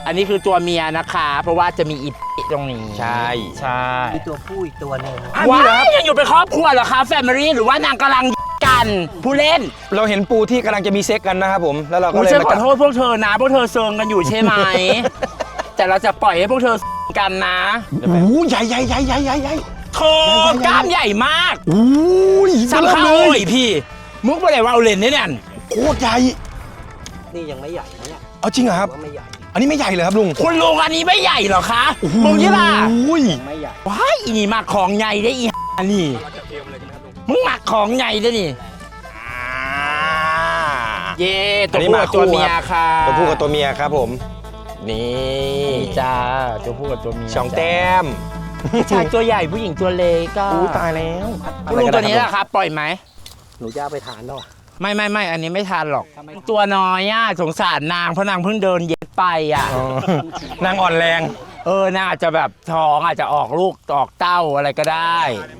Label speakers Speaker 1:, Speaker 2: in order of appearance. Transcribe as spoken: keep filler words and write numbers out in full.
Speaker 1: อันนี้คือตัวเมียนะคะเพราะว่าจะมีอีตรงนี้
Speaker 2: ใช่
Speaker 1: ใช่
Speaker 3: มีตัวผู้อีกตัวหนึ่ง
Speaker 1: ว้ายยังอยู่เป็นครอบครัวเหรอคะแฟมิลี่หรือว่านางกำลังกันผู้เล่น
Speaker 2: เราเห็นปูที่กำลังจะมีเซ็กกันนะครับผมแล้วเราก็
Speaker 1: กู
Speaker 2: เลย
Speaker 1: ฉัน
Speaker 2: มา
Speaker 1: ขอ
Speaker 2: จับ
Speaker 1: โทษพวกเธอนะพวกเธอเซิงกันอยู่ใช่ไหม แต่เราจะปล่อยให้พวกเธอกันนะ
Speaker 2: โอ้โหใหญ่ใหญ่ใหญ่ใหญ่ใหญ่ใหญ่
Speaker 1: โธ่กล้ามใหญ่มาก
Speaker 2: โอ้ย
Speaker 1: สำคัญเลยพี่มุกไปไหนว่าเอาเลนเนี่ยเนี่ย
Speaker 2: โคตรใหญ่
Speaker 3: นี่ยังไม่ใหญ่นะเนี่ย
Speaker 2: เอาจริงเหรอครับ
Speaker 3: ว่าไม่ใหญ่
Speaker 2: อันนี้ไม่ใหญ่เลยครับลุง
Speaker 1: คุณลุงอันนี้ไม่ใหญ่เหรอคะมึงยี่ล่ะ
Speaker 2: โอ้ย
Speaker 3: ไม่ใหญ่
Speaker 1: ว้ายอีนี่มาของใหญ่ได้อีอันนี้มึงหมักของใหญ่ได้นี่เย่ตัวผู้กับตัวเมียค่ะ
Speaker 2: ตัวผู้กับตัวเมียครับผม นี่
Speaker 1: นี่จ้าตัวผู้กับตัวเมีย
Speaker 2: สองแต้ม
Speaker 1: ผู้ชายตัวใหญ่ผู้หญิงตัวเล็กก็
Speaker 2: อู้ตายแล้ว
Speaker 1: คุณลุงตัวนี้แหละครับปล่อยไหม
Speaker 3: หนูจะเอาไปทานแล้วอ่ะ
Speaker 1: ไม่ไม่ไม่อันนี้ไม่ทานหรอกตัวน้อยอ่ะสงสารนางเพราะนางเพิ่งเดินเย็ดไปอ่ะ
Speaker 2: อ๋อนางอ่อนแรง
Speaker 1: เออนางอาจจะแบบท้องอาจจะออกลูกออกเต้าอะไรก็ได้